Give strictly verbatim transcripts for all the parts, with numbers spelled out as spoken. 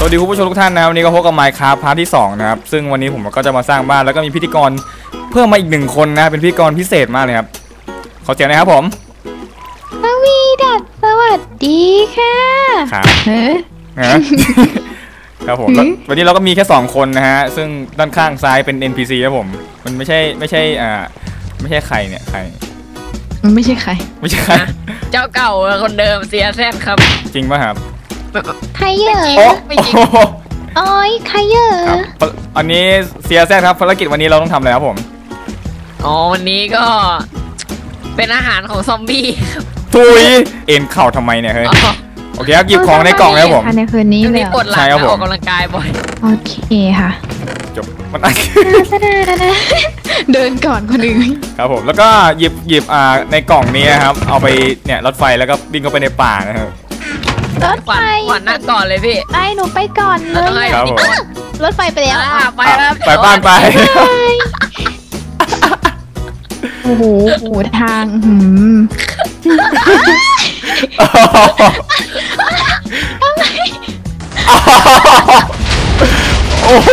วัสดีคุณผู้ชมทุกท่านนะวันนี้ก็พบกับ Minecraft พาร์ทที่สองนะครับซึ่งวันนี้ผมก็จะมาสร้างบ้านแล้วก็มีพิธีกรเพิ่มมาอีกหนึ่งคนนะเป็นพิธีกรพิเศษมากเลยครับขอเสียงนะครับผมสวีดัสสวัสดีค่ะครับเฮ้ยครับผมวันนี้เราก็มีแค่สองคนนะฮะซึ่งด้านข้างซ้ายเป็น เอ็น พี ซี ครับผมมันไม่ใช่ไม่ใช่อ่าไม่ใช่ใครเนี่ยใครมันไม่ใช่ใครไม่ใช่ใครเจ้าเก่าคนเดิมเสียแซนครับจริงป่ะครับใครเยอะไม่จริงโอ้ยใครเยอะครับอันนี้เสียแซนครับภารกิจวันนี้เราต้องทำอะไรครับผมอ๋อวันนี้ก็เป็นอาหารของซอมบี้ทุยเอ็นเข่าทำไมเนี่ยเฮ้ยโอเคครับหยิบของในกล่องเลยผมในคืนนี้เลยปวดหลังออกกำลังกายบ่อยโอเคค่ะจบมันอะไรเดินก่อนคนอื่นครับผมแล้วก็หยิบหยิบอ่าในกล่องนี้ครับเอาไปเนี่ยรถไฟแล้วก็วิ่งเข้าไปในป่านะครับรถไฟขวัญนั่งก่อนเลยพี่ไอ้หนูไปก่อนเลยครับผมรถไฟไปแล้วไปแล้วไปบ้านไปโอ้โหโหทางหืมโอ้โห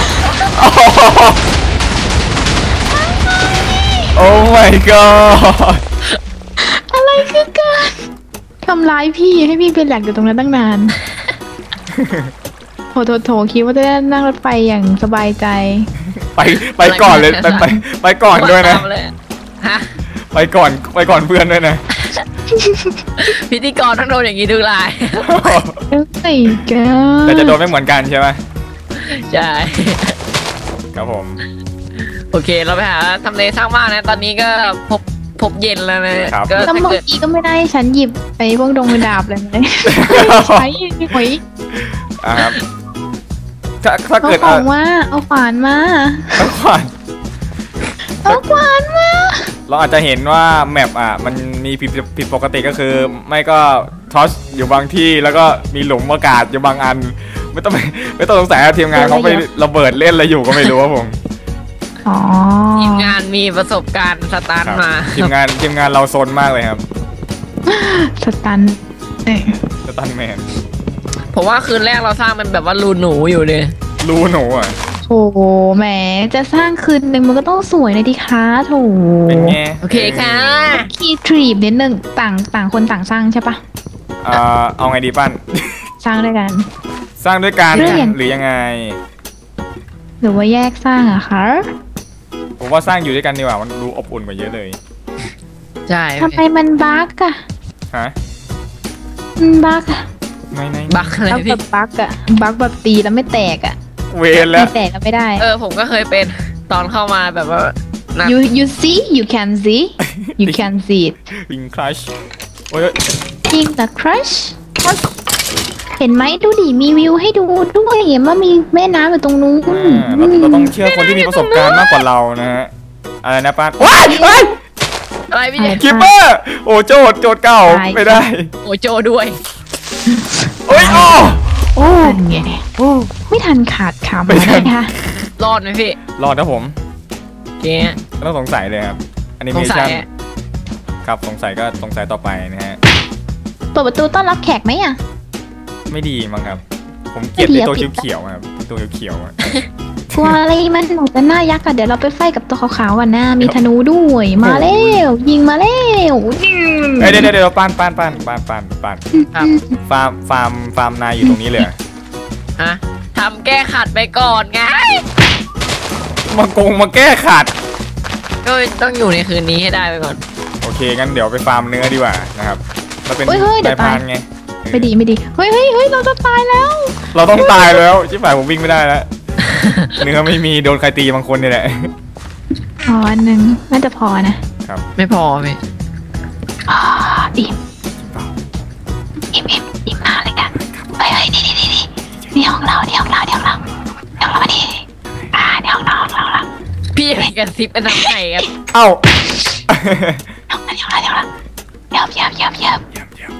โอ้ my god อะไรคือการทำร้ายพี่ให้พี่เป็นแหลกอยู่ตรงนั้นตั้งนานโถโถโถคิดว่าจะได้นั่งรถไฟอย่างสบายใจไปไปก่อนเลยไปไปไปก่อนด้วยนะไปก่อนไปก่อนเพื่อนด้วยนะพิธีกรต้องโดนอย่างนี้ทุกรายไอ้แกแต่จะโดนไม่เหมือนกันใช่ไหมใช่ครับผมโอเคเราไปหาทำเลสร้างบ้านนะตอนนี้ก็พบพบเย็นแล้วนะก็ถ้าเมื่อกี้ก็ไม่ได้ฉันหยิบไปพวกดงดาบเลยนะใช้หอยอ่าครับถ้าถ้าเกิดเอาของมาเอาขวานมาเอาขวานเอาขวานมาเราอาจจะเห็นว่าแมปอ่ะมันมีผิดผิดปกติก็คือไม่ก็ทอสอยู่บางที่แล้วก็มีหลุมอากาศอยู่บางอันไม่ต้องไม่ต้องสงสัยทีมงานเขาไประเบิดเล่นอะไรอยู่ก็ไม่รู้ครับผมทีมงานมีประสบการณ์สตาร์ทมาทีมงานทีมงานเราโซนมากเลยครับสตันสตันแมนผมว่าคืนแรกเราสร้างเป็นแบบว่ารูหนูอยู่เลยรูหนูอ่ะโอ้แหมจะสร้างคืนหนึ่งมันก็ต้องสวยในที่ค้าโถเป็นไงโอเคค่ะคีทรีบนิดหนึ่งต่างต่างคนต่างสร้างใช่ปะเอ่อเอาไงดีปั้นสร้างด้วยกันสร้างด้วยกันหรือยังไงหรือว่าแยกสร้างอะคะผมว่าสร้างอยู่ด้วยกันดีกว่ามันดูอบอุ่นกว่าเยอะเลยใช่ทำไมมันบั๊กอะฮะมันบั๊กอะไม่ไม่บั๊กอะไรพี่บั๊กอะบั๊กแบบตีแล้วไม่แตกอะเวรแล้วไม่แตกก็ไม่ได้เออผมก็เคยเป็นตอนเข้ามาแบบว่า you you see you can see you can see it ยิงครัชโอ้ยยิงแต่ครัชเห็นไหมดูดิมีวิวให้ดูด้วยเห็นว่ามีแม่น้ำอยู่ตรงนู้นเราเราต้องเชื่อคนที่มีประสบการณ์มากกว่าเรานะฮะอะไรนะป้าว้ายอะไรพี่คิปเปอร์โอ้โจดโจดเก่าไม่ได้โอ้โจด้วยโอ้ยอ๋อโอ้ไงไม่ทันขาดคำไม่ทันค่ะรอดไหมพี่รอดนะผมเจ๊ต้องสงสัยเลยครับอันนี้มีชั่นครับสงสัยก็สงสัยต่อไปนะฮะเปิดประตูต้อนรับแขกไหมอ่ะไม่ดีมั้งครับผมเกลียดตัวเขียวๆครับตัวเขียวๆอ่ะกลัวอะไรมันหนูจะหน้ายักษ์อะเดี๋ยวเราไปไฟกับตัวขาวๆกันนะมีธนูด้วยมาแล้วยิงมาแล้วเดี๋ยวเดี๋ยวเดี๋ยวปานปานปานปานปานปานฟาร์มฟาร์มฟาร์มนายอยู่ตรงนี้เลยฮะทำแก้ขัดไปก่อนไงมาโกงมาแก้ขัดก็ต้องอยู่ในคืนนี้ให้ได้ไปก่อนโอเคงั้นเดี๋ยวไปฟาร์มเนื้อดีกว่านะครับเราเป็นนายพรานไงไม่ดีไม่ดีเฮ้ยเฮ้ยเฮ้ยเราจะตายแล้วเราต้องตายแล้วชิบหายผมวิ่งไม่ได้แล้วเนื้อไม่มีโดนใครตีบางคนนี่แหละพออันนึงน่าจะพอนะครับไม่พอไหมอ๋ออิ่มอิ่มอิ่มอิ่มมากเลยกันเฮ้ยเฮ้ยนี่นี่นี่นี่ห้องเรานี่ห้องเรานี่ห้องเรานี่ห้องเรานี่อ่านี่ห้องเราห้องเราละพี่อะไรกันซิปเป็นอะไรครับเอ้าห้องเรานี่ห้องเรานี่ห้องเราเยิบเยิบเยิบเยิบ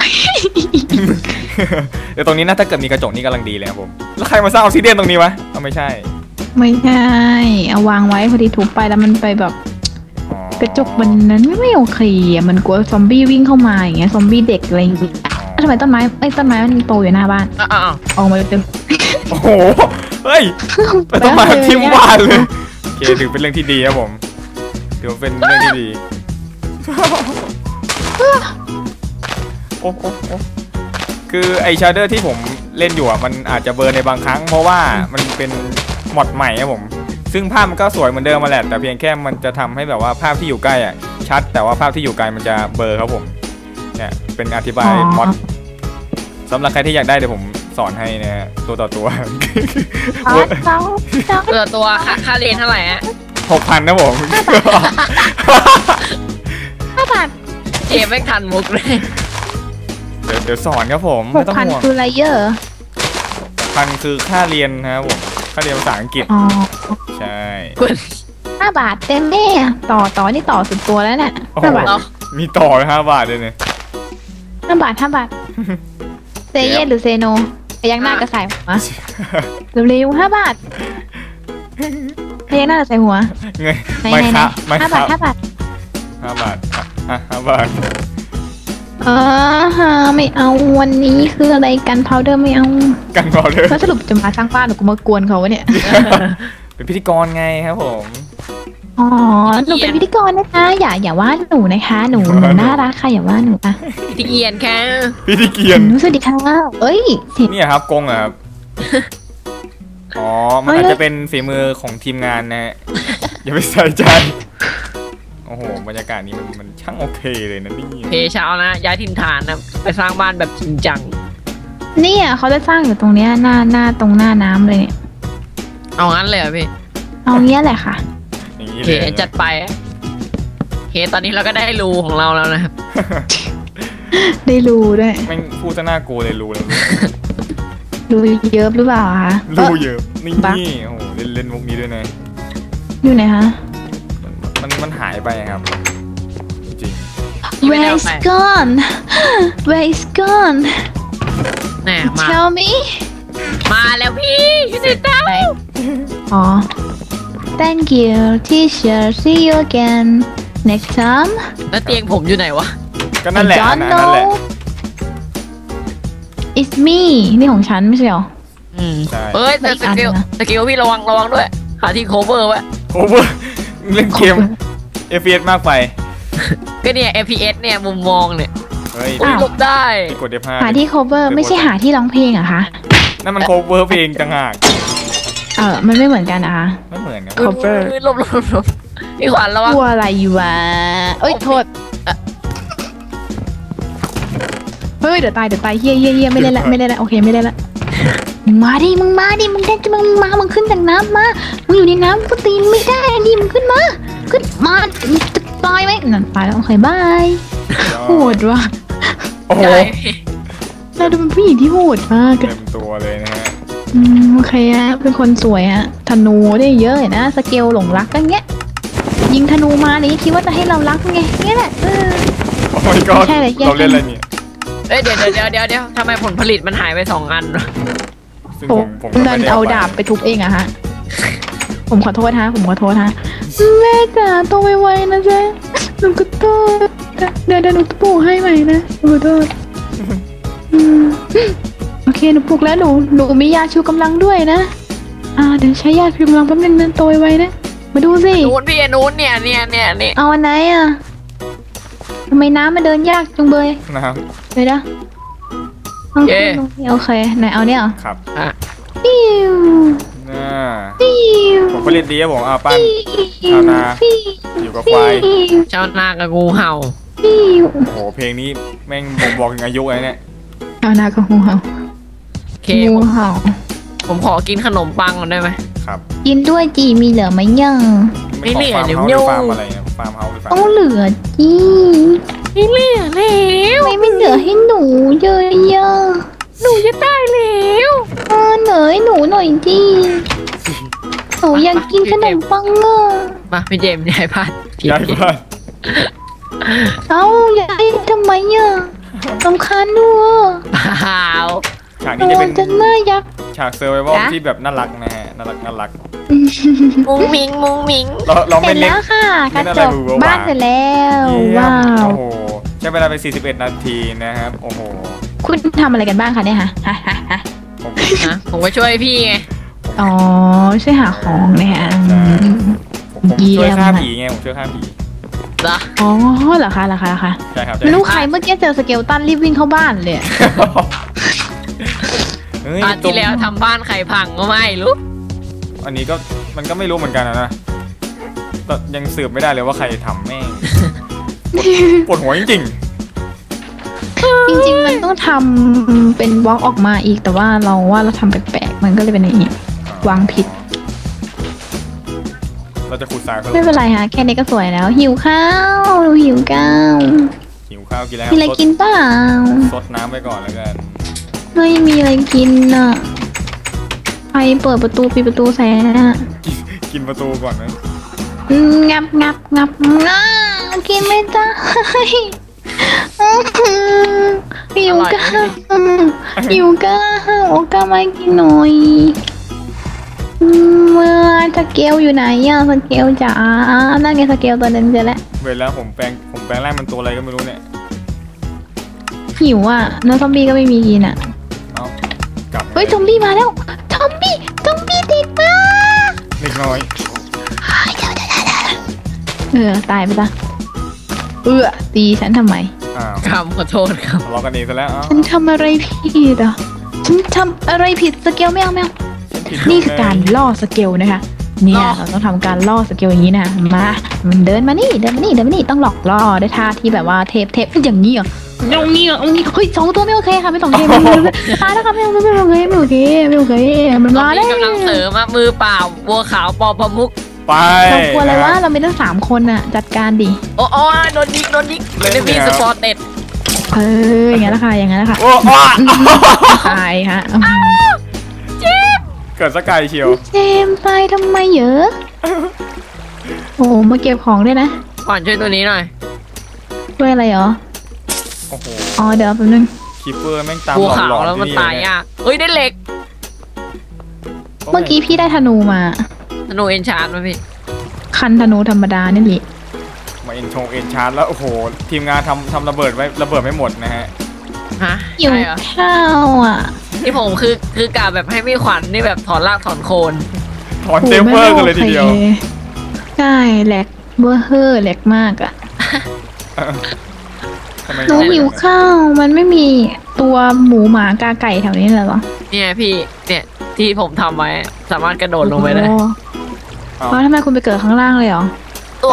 เดี๋ยวตรงนี้นะถ้าเกิดมีกระจกนี่กำลังดีเลยครับผมแล้วใครมาสร้างออซิเดียนตรงนี้วะเอาไม่ใช่ไม่ใช่เอาวางไว้พอดีทุบไปแล้วมันไปแบบกระจกมันนั้นไม่ไม่โอเคอ่ะมันกลัวซอมบี้วิ่งเข้ามาอย่างเงี้ยซอมบี้เด็กอะไรอย่างเงี้ยทำไมต้นไม้ไอ้ต้นไม้มันโตอยู่หน้าบ้านอ้าวออกมาเต็มโอ้โหเฮ้ยไปต้องมาทิมบ้านเลยโอเคถือเป็นเรื่องที่ดีครับผมถือว่าเป็นเรื่องที่ดีโอ้โหคือไอชาร์เดอร์ที่ผมเล่นอยู่อ่ะมันอาจจะเบลอในบางครั้งเพราะว่ามันเป็นมอดใหม่ครับผมซึ่งภาพมันก็สวยเหมือนเดิมมาแหละแต่เพียงแค่มันจะทำให้แบบว่าภาพที่อยู่ใกล้อ่ะชัดแต่ว่าภาพที่อยู่ไกลมันจะเบลอครับผมเนี่ยเป็นอธิบายมอดสำหรับใครที่อยากได้เดี๋ยวผมสอนให้นะฮะตัวต่อตัวอ๋อเจ้าเจ้าตัวตัวค่าค่าเรียนเท่าไหร่ฮะหกพันนะผมห้าบาทเอไม่ทันมุกเลยเดี๋ยวเดี๋ยวสอนครับผมหไม่กต้องพันห่วงคืออะไรเยอะพันคือค่าเรียนนะครับผมค่าเรียนภาษาอังกฤษอ๋อใช่ห้าบาทเต็มแน่ต่อต่อนี่ต่อสุดตัวแล้วเนี่ยโอ้โหห้าบาทมีต่อห้าบาทเลยเนี่ยห้าบาทห้าบาทเซเยสหรือเซโนพยักหน้ากระใส่หัวเร็วๆห้าบาทพยักหน้ากระใส่หัวเงยไหนไม่ไหนครับห้าไม่คบารัทบห้าบาทห้าบาทอ่ะห้าบาทอ่าฮะไม่เอาวันนี้คืออะไรกันพาวเดอร์ไม่เอากันพอเลยแล้วสรุปจะมาสร้างบ้านหรือกูมากวนเขาวะเนี่ยเป็นพิธีกรไงครับผมอ๋อหนูเป็นพิธีกรนะคะอย่าอย่าว่าหนูนะคะหนูหนูน่ารักค่ะอย่าว่าหนูอ่ะที่เกียนแค่พิธีเกียนสวัสดีค่ะเอ้ยเสียงนี่ครับกงเหรอครับอ๋อมันอาจจะเป็นฝีมือของทีมงานนะฮะอย่าไปใส่ใจโอ้โหบรรยากาศนี้มันมันช่างโอเคเลยนะนี่เพเช้านะย้ายถิ่นฐานนะไปสร้างบ้านแบบจริงจังเนี่ยเขาจะสร้างอยู่ตรงเนี้ยหน้าหน้าตรงหน้าน้ำเลยเนี่ยเอางั้นเลยเหรอพี่เอาเงี้ยแหละค่ะอย่างโอนี้เคเลยจัดไปโอเคตอนนี้เราก็ได้รูของเราแล้วนะครับได้รู้ด้วยแม่งพูดซะน่ากลัวเลยรู้เลยรู้เยอะหรือเปล่าคะรู้เยอะนี่บั๊กโอ้โหเล่นเล่นมุกนี้ด้วยนะอยู่ไหนคะมันมันหายไปครับจริง Where is gone Where is gone แน่มา Tell me มาแล้วพี่อยู่ในเต้าไหนอ๋อ Thank you teacher see you again next time แล้วเตียงผมอยู่ไหนวะๆก็นั่นแหละ I อัน don't นั้นนั่นแหละ know It's me นี่ของฉันไม่ใช่เหรออืมใช่เอ้ยแต่สกิลอีกอันนะสกิลพี่ระวังระวังด้วยหาที่ cover ไว้โอ้โหเล่นเกม เอฟ พี เอส มากไปก็เนี่ย เอฟ พี เอส เนี่ยมุมมองเนี่ยเฮ้ยอุ้ยหลบได้กด เอฟ ห้าหาที่ cover ไม่ใช่หาที่ร้องเพลงเหรอะคะนั่นมัน cover เพลงต่างหากเออมันไม่เหมือนกันอะคะไม่เหมือนกันอุ๊ย cover อุ๊ยหลบหลบหลบพี่ขวัญระวังกลัวอะไรวะเอ้ยโทษเฮ้ยเดี๋ยวตายเดี๋ยวตายเฮียเฮียเฮียไม่ได้ละไม่ได้ละโอเคไม่ได้ละมึงมาดิมึงมาดิมึงได้จะมึงมามึงขึ้นจากน้ำมามึงอยู่ในน้ำก็ตีนไม่ได้ดิมึงขึ้นมาขึ้นมามึงจะตายไหมนั่นตายแล้วโอเคบายโหดว่ะโอ้โหได้เราดูเป็นผู้หญิงที่โหดมากเต็มตัวเลยนะฮะอืมโอเคฮะเป็นคนสวยฮะธนูได้เยอะเลยนะสเกลหลงรักก็เงี้ยยิงธนูมาเนี่ยคิดว่าจะให้เรารักไงเงี้ยแหละเออโอ้ my god ใช่เลยแยกเราเล่นอะไรเนี่ยเอ้ยเดี๋ยวเดี๋ยวเดี๋ยวเดี๋ยวทำไมผลผลิตมันหายไปสองอันวะซึ่งผผม มผมดันเอาดาบไปทุบเองอะฮะ ผมขอโทษฮะ ผมขอโทษฮะ แม่จ๋าโตไวๆนะจ๊ะหนูก็โทษเดี๋ยวเดี๋ยวหนูปลูกให้ใหม่นะหนูขอโทษอืมโอเคหนูปลูกแล้วหนูหนูมียาชูกำลังด้วยนะ อ่าเดี๋ยวใช้ยาชูกำลังแป๊บนึงนะโตไวๆนะ มาดูสินู้นพี่นู้นเนี่ยเนี่ยเนี่ยเนี่ยเอาอันไหนอะทำไมน้ำมันเดินยากจังเบยนะครับเดี๋ยวนะเอาขึ้นตรงนี้โอเคไหนเอาเนี่ยเหรอครับอ่ะปิ้วน่าปิ้วผมผลิตดีครับผมอ่าปั้น ชาวนา อยู่กับควายเจ้านากับงูเห่าปิ้วโอ้โหเพลงนี้แม่งบ่งบอกถึงอายุไอ้เนี่ยชาวนากับงูเห่าโอเคงูผมเห่าผมขอกินขนมปังก่อนได้ไหมครับกินด้วยจีมีเหลือไหมยังไม่เหลือฟาร์มเดี๋ยวเฮาส์หโย่รือฟาร์มอะไรเนี่ยฟาร์มเฮาส์หรือฟาร์ต้มองเหลือจีไม่เหลือแล้วทำไมไม่เหลือให้หนูเยอะหนูจะตายแล้วๆเออเหนื่อยหนูหน่อยจีหนูอยากกินขนมปังอ่ะมาพี่เจมส์ยายพัดย้ายบ้านเอ้ายายทำไมอ่ะสำคัญด้วยเปล่าฉากโอ้นี้จะเป็นจะน่ายักษ์ฉากเซอร์ไววัลจ๊ะที่แบบน่ารักนะฮะน่ารักน่ารักมุงมิงมุงมิงเราเราเสร็ไม่จเล็แล้กวค่ะกระไม่จน่าอะไรกหวือหวาบ้านเสร็จแล้วเยี่ยมว้าวโอ้โหใช้เวลาไปสี่สิบเอ็ดนาทีนะครับโอ้โหคุณทำอะไรกันบ้างคะเนี่ยฮะฮะฮะฮะผมนะผมก็ช่วยพี่ไงอ๋อช่วยหาของเนี่ยผมผมช่วยฆ่าผีไงผมช่วยฆ่าผีเหรออ๋อเหรอคะเหรอคะเหรอคะใช่ครับไม่รู้ใครเมื่อกี้เจอสเกลตันรีบวิ่งเข้าบ้านเลยเฮ้ยตอนที่แล้วทำบ้านใครพังก็ไม่รู้อันนี้ก็มันก็ไม่รู้เหมือนกันนะแต่ยังสืบไม่ได้เลยว่าใครทำแม่งปวดหัวจริงจริงๆมันต้องทำเป็นบล็อกออกมาอีกแต่ว่าเราว่าเราทำแปลกๆมันก็เลยเป็นอย่างนี้วางผิดๆเราจะขุดทรายเพิ่มไม่เป็นไรฮะแค่นี้ก็สวยแล้ว หิวข้าวหนูหิวข้าวหิวข้าวกินแล้วมีอะไรกินเปล่าซดน้ำไปก่อนแล้วกันไม่มีอะไรกินอ่ะใครเปิดประตูปิดประตูใส่นะกินกินประตูก่อนไหมอืมงับงับงับง่ากินไม่ได้หิวข้าวหิวข้าวโอกามากินหน่อยเมื่อสเกลอยู่ไหนอ่ะสเกลจ๋านั่นไงสเกลตัวนึงเจอแล้วเวลาผมแปลงผมแปลงร่างเป็นตัวอะไรก็ไม่รู้เนี่ยหิวอ่ะเนื้อซอมบี้ก็ไม่มีกินอ่ะเอากลับเฮ้ยซอมบี้มาแล้วซอมบี้ซอมบี้ติดมาเล็กน้อยเออตายไปซะเออตีฉันทำไมอ้าวคำขอโทษครับทะเลาะกันเองซะแล้วอ้าวฉันทำอะไรผิดอ่ะฉันทำอะไรผิดสเกลไม่เอาไม่เอาผิดนี่คือการล่อสเกลนะคะ เนี่ยล่อเราต้องทำการล่อสเกลอย่างนี้นะมามันเดินมานี่เดินมานี่เดินมานี่ต้องหลอกล่อด้วยท่าที่แบบว่าเทปเทปอย่างนี้เหรออย่างนี้เหรออย่างนี้เฮ้ยสองตัวไม่โอเคค่ะไม่สองเคไม่ไม่ตายแล้วค่ะไม่ไม่ไม่โอเคไม่โอเคไม่โอเคมันตอมาน แล้นี้วกำลังเสริมอะมือเปล่าบัวขาวปอประมุกไปเรากลัวอะไรวะเรามีตั้งสามคนน่ะจัดการดิโอ้โอ้โดนยิงโดนยิงไม่ได้มีสปอร์ตเต็ดเอออย่างนั้นแหละค่ะอย่างนั้นแหละค่ะโอ้อ้าตายฮะเกิดสกายเชียวเจมส์ตายทำไมเยอะโอ้มาเก็บของด้วยนะก่อนช่วยตัวนี้หน่อยด้วยอะไรเหรอโอ้โหอ๋อเดี๋ยวแป๊บนึงคีเปอร์แม่งตามบัวหลอกขาวหลอนแล้วมันที่ตายนี่ยากเฮ้ยได้เหล็กเมื่อกี้พี่ได้ธนูมาธนูเอนชาร์ดมาพี่คันธนูธรรมดานี่แหละมาเอ็นชงเอ็นชาร์จแล้วโอ้โหทีมงานทำทำระเบิดไว้ระเบิดไม่หมดนะฮะฮะหิวใช่เหรอข้าวอ่ะที่ผมคือคือกาแบบให้พี่ขวัญนี่แบบถอนรากถอนโคนถอนเซฟเวอร์กันเลยทีเดียวโอ้ไม่โอคใช่แหลกเบอร์เฮอร์แหลกมากอ่ะทำไมหนูหิวข้าวมันไม่มีตัวหมูหมากาไก่แถวนี้เลยเหรอเนี่ยพี่เนี่ยที่ผมทำไว้สามารถกระโดดลงไปได้โอ้โหอ้าวแล้วทำไมคุณไปเกิดข้างล่างเลยเหรอตัว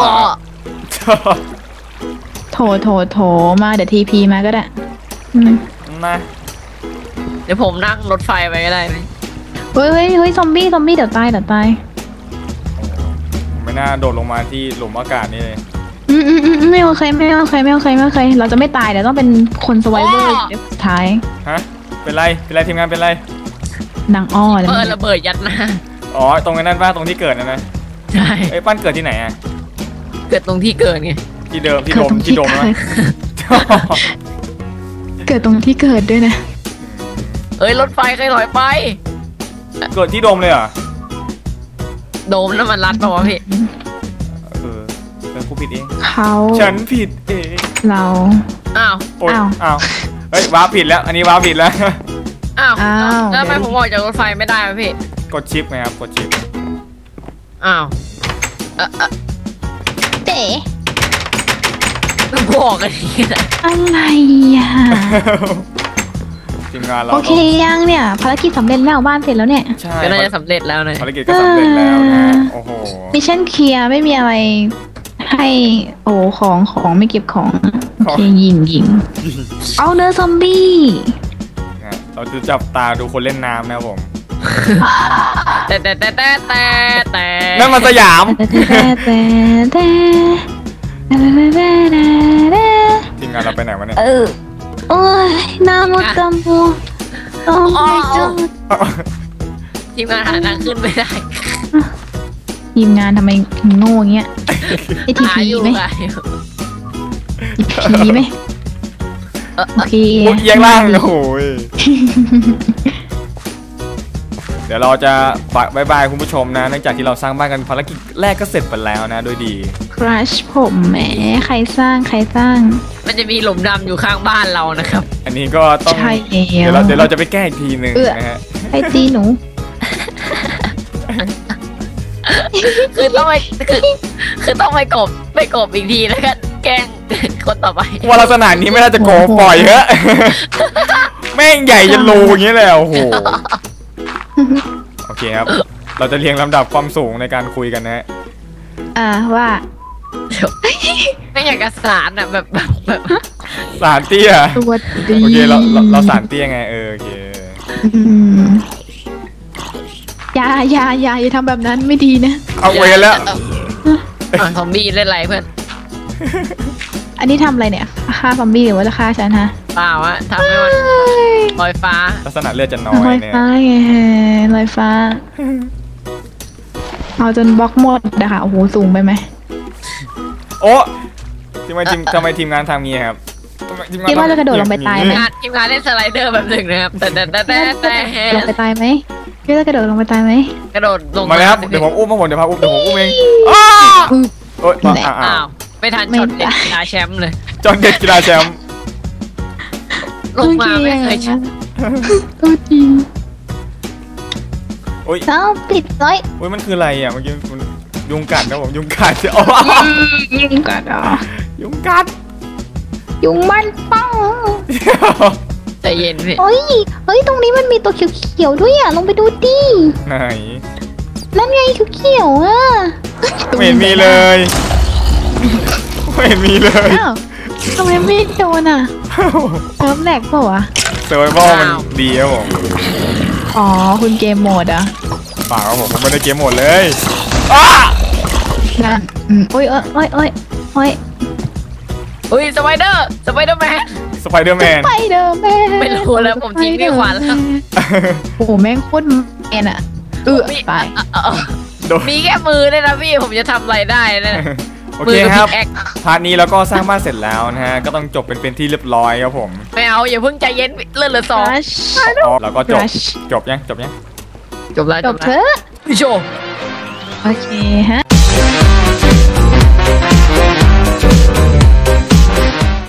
โถโถโถมาเดี๋ยวทีพีมาก็ได้อืมนะเดี๋ยวผมนั่งรถไฟไปก็ได้ไหมเฮ้ยเฮ้ยเฮ้ยซอมบี้ซอมบี้เดี๋ยวตายเดี๋ยวตายไม่น่าโดดลงมาที่หลุมอากาศนี่เลยอืมอืมอืมไม่โอเคไม่โอเคไม่โอเคไม่โอเคเราจะไม่ตายเดี๋ยวต้องเป็นคนสไวเวอร์เดี๋ยวสุดท้ายฮะเป็นไรเป็นไรทีมงานเป็นไรนางอ้อเลยเปิดระเบิดยัดหน้าอ๋อตรงนั้นป้าตรงที่เกิดนะนะใช่ไอ้ยปั้นเกิดที่ไหนอะเกิดตรงที่เกิดไงที่เดิมที่เกิโดดมตรงที่ที่โดมเกินะดเกิดตรงที่เกิดด้วยนะเอ้ยรถไฟใครถอยไปเกิดที่โดมเลยเหรอโดมน้ำมันรัดป่าวะพี่เออเป็นกูผิดเองเขาฉันผิดเองเราอ้าวโอ๊ยอ้าวอ้าวเฮ้ยว้าร์ปผิดแล้ว อันนี้ว้าร์ปผิดแล้วอ้าวอ้าวแล้วทำไมเดี๋ยวผมออกจากรถไฟไม่ได้วะพี่กดชิปไหมครับกดชิปอ้าวเออเออเต๋บอกกันทีนะอะไรอ่ะทีมงานเราโอเคยังเนี่ยภารกิจสำเร็จแล้วบ้านเสร็จแล้วเนี่ยใช่ก็น่าจะสำเร็จแล้วนะภารกิจก็สำเร็จแล้วนะ โอ้โหมิชชั่นเคลียร์ไม่มีอะไรให้โอ้ของของไม่เก็บของโอเคยิงยิงเอาเนื้อซอมบี้นะเราจะจับตาดูคนเล่นน้ำนะครับผมแต่แต่แต่แต่แต่แต่นั่นมันสยามแต่แต่แต่แต่แต่แต่ทีมงานเราไปไหนวะเนี่ยเออโอ้ยหน้ามุดตะมูโอ้ my god ทีมงานหาทางขึ้นไม่ได้ทีมงานทำไมโง่เงี้ยไอทีหาพีอยู่ไหมหาอยู่ทีพีไหมเออโอเคโอ้ยแยกล่างโอ้โหยเดี๋ยวเราจะฝากบายบายคุณผู้ชมนะเนื่องจากที่เราสร้างบ้านกันภารกิจแรกก็เสร็จไปแล้วนะโดยดีครัชผมแหมใครสร้างใครสร้างมันจะมีหลุมดำอยู่ข้างบ้านเรานะครับอันนี้ก็ต้องใช่เดี๋ยวแล้เราวเดี๋ยวเราจะไปแก้อีกทีหนึ่งเอื้อนะฮะใครตีหนูคือต้องไปคือคือต้องไปกบไปกบอีกทีแล้วก็แกล้งคนต่อไปว่าลักษณะนี้ไม่น่าจะโกปล่อยเหอะ แม่งใหญ่จนรูอย่างนี้เลยโอ้โหโอเคครับ เราจะเรียงลำดับความสูงในการคุยกันนะฮะอ่าว่าไม่อยากกระสานอ่ะแบบแบบแบบสารเตี้ยตัวดีโอเคเราเราเราสารเตี้ยไงเออโอเคอืมอย่าอย่าอย่าอย่าทำแบบนั้นไม่ดีนะเอาเวรแล้วอ่ะซอมบี้เล่นไรเพื่อนอันนี้ทำอะไรเนี่ยฆ่าซอมบี้หรือว่าจะฆ่าฉันฮะเปล่าอะทำให้มันลอยฟ้าลักษณะเลือดจะน้อลอย ยเนี่ยฟ้าไงลอยฟ้า เอาจนบล็อกหมดนะคะโอ้โหสูงไปไหมโอ้ทำไมทีมทำไมทีมงานทำงี้ครับทำไมทีมงนคิดว่าจะกระโดดลงไปตายไหมงานทีมงานเล่นสไลเดอร์แบบหนึ่งนะครับแต่แต่แต่แต่แต่ลงไปตายไหมคิดว่าจะกระโดดลงไปตายไหมกระโดดลงมาเลยครับเดี๋ยวผมอุ้มมาผมเดี๋ยวพาอุ้มเดี๋ยวผมอุ้มเองอ้าโอ๊ยอ้าวอ้าอ้าว วไม่ทันช็อตเด็ดกีฬาแชมป์เลยจอนเด็ดกีฬาแชมป์ลงมาไม่เคยชนะตัวจริงโอ้ยเท้าปิดร้อยโอ้ยมันคืออะไรอ่ะเมื่อกี้มันยุงกัดนะผมยุงกัดอ๋อยุงกัดอ่ะยุงกัดยุงมันปังใจเย็นพี่เฮ้ยเฮ้ยตรงนี้มันมีตัวเขียวๆด้วยอ่ะลงไปดูดิไหนนั่นไงเขียวๆอ่ะไม่เห็นมีเลยไม่เห็นมีเลยอ้าวทำไมไม่โดนอ่ะเซิร์ฟแหลกเปล่าวะเซอร์ไวบอลมันดีครับผมอ๋อคุณเกมโหมดอ่ะเปล่าครับผมผมไม่ได้เกมหมดเลยอ้านั่นอืมโอ้ยเอ้ยเอ้ยเอ้ยเอ้ยอุ้ยสไปเดอร์สไปเดอร์แมนสไปเดอร์แมนไปเดิมแม่ไม่รู้แล้วผมทิ้งพี่ขวัญแล้วโอ้โหแม่งโคตรแมนอ่ะเออไปโดนมีแค่มือเลยนะพี่ผมจะทำอะไรได้เนี่ยโอเคครับมือกับพิกแอคพาร์ทนี้เราก็สร้างบ้านเสร็จแล้วนะฮะก็ต้องจบเป็นเป็นที่เรียบร้อยครับผมไม่เอาอย่าเพิ่งใจเย็นเลื่อนเหลือสองรัชอ๋อแล้วก็จบ Rush จบยังจบยังจบแล้วจบเถอะพี่โชว์โอเคฮะ